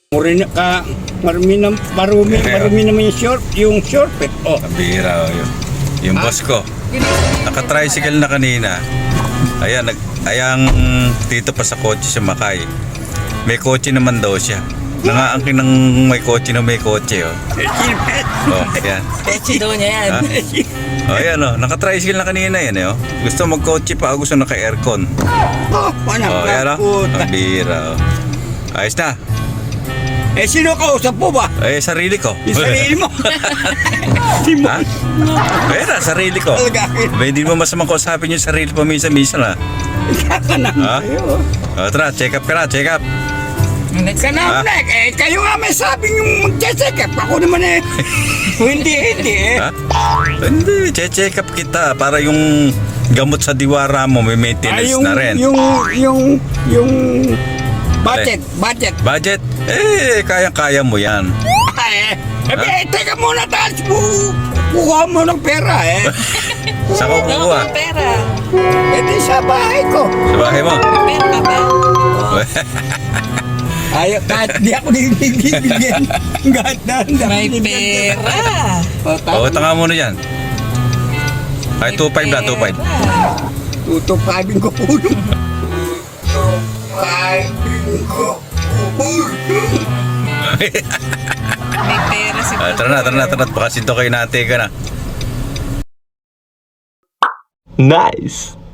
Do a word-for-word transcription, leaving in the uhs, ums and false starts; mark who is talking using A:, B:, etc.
A: Marami ka, marami na, marumi, marumi naman yung short, yung short eh. Oh.
B: Kabira oh, yun. Yung boss ko. Naka-tricycle na kanina. Ayan, nag, ayang dito pa sa kotse siya makay. May kotse naman daw siya. Nangaangkin ng may kotse na may kotse oh. Oh, yan.
C: Kotse daw niya yan.
B: Ha? Oh, ayan oh. Naka-tricycle na kanina yan eh oh. Gusto mag-kotse pa, gusto naka-aircon.
A: Oh, walang
B: Oh, yan oh.
A: kaputa.
B: Kabira oh. Ayos na.
A: Eh, sino kausap po ba?
B: Eh, sarili ko.
A: Yung sarili mo. Di mo.
B: Ha? Ayun na, sarili ko.
A: Talaga.
B: Ba, hindi mo masamang kausapin yung sarili pa minsan-minsan ha.
A: Kaka na
B: Ha?
A: kayo.
B: O, tara, check up ka na, check up.
A: Ka
B: Ha?
A: na, Black. Eh, kayo nga may sabing yung mag-check up. Ako naman eh. Hindi, hindi eh.
B: Ha? Hindi, check up kita para yung gamot sa diwara mo may maintenance
A: Ay, yung,
B: na rin.
A: yung, yung, yung budget, budget.
B: Budget? Eh, kaya-kaya mo yan.
A: Ay, eh, eh, teka muna, tapos bu- kukuha mo ng pera eh.
B: Sa ko
C: Wala
B: kukuha?
C: kang pera.
A: Eh, di sa bahay ko.
B: Sa bahay mo?
C: Pera ka ba?
A: Ay, kahit di ako bibigyan. Kahit na,
C: May pera.
B: O, tanga mo na yan. Ay, two five na, two five.
A: Tutupagin ko ulo. Tutupagin ko ulo.
C: May pera si
B: Ah, tara na, tara na, tara na. Baka sinto kayo nate ka na.
D: Nice.